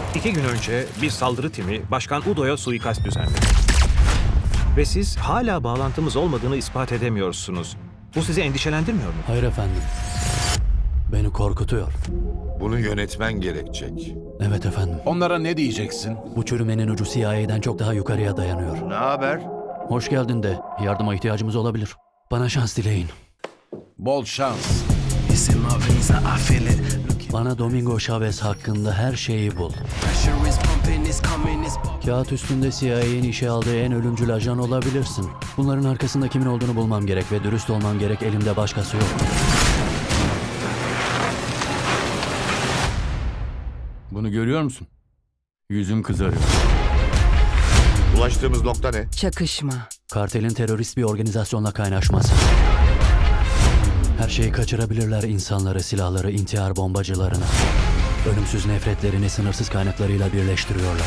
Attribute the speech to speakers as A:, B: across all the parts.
A: 2 gün önce bir saldırı timi Başkan Udo'ya suikast düzenledi. Ve siz hala bağlantımız olmadığını ispat edemiyorsunuz. Bu sizi endişelendirmiyor mu?
B: Hayır efendim. Beni korkutuyor.
C: Bunu yönetmen gerekecek.
B: Evet efendim.
D: Onlara ne diyeceksin?
B: Bu çürümenin ucu CIA'den çok daha yukarıya dayanıyor.
C: Ne haber?
B: Hoş geldin de yardıma ihtiyacımız olabilir. Bana şans dileyin.
D: Bol şans.
E: It's in my veins, I feel it.
B: Bana Domingo Chavez hakkında her şeyi bul.
E: Pressure is pumping, it's coming, it's popping.
B: Kağıt üstünde CIA'nin işe aldığı en ölümcül ajan olabilirsin. Bunların arkasında kimin olduğunu bulmam gerek ve dürüst olmam gerek. Elimde başkası yok.
F: Bunu görüyor musun? Yüzüm kızarıyor.
C: Ulaştığımız nokta ne?
G: Çakışma.
B: Kartelin terörist bir organizasyonla kaynaşması. Her şeyi kaçırabilirler, insanları, silahları, intihar bombacılarını. Ölümsüz nefretlerini sınırsız kaynaklarıyla birleştiriyorlar.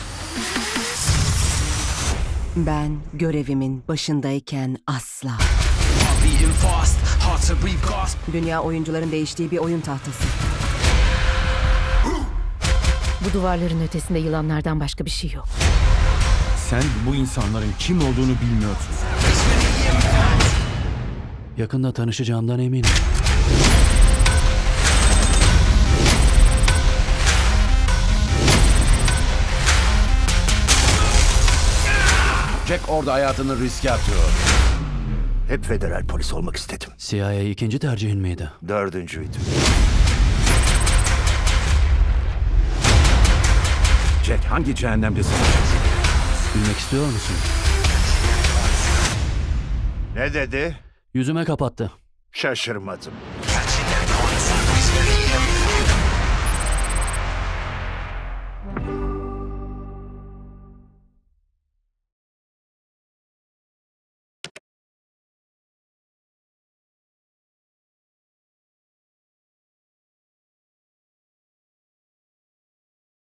G: Ben görevimin başındayken asla.
E: Heart beating fast, hard to breathe, gasp.
G: Dünya oyuncuların değiştiği bir oyun tahtası.
H: Bu duvarların ötesinde yılanlardan başka bir şey yok.
F: Sen bu insanların kim olduğunu bilmiyorsun.
B: Yakında tanışacağımdan eminim.
D: Jack orada hayatını riske atıyor.
I: Hep federal polis olmak istedim.
B: CIA ikinci tercihin miydi?
I: 4.'üydü. Jack hangi cehennemdesin?
B: Bilmek istiyor musun?
I: Ne dedi?
B: Yüzüme kapattı.
I: Şaşırmadım.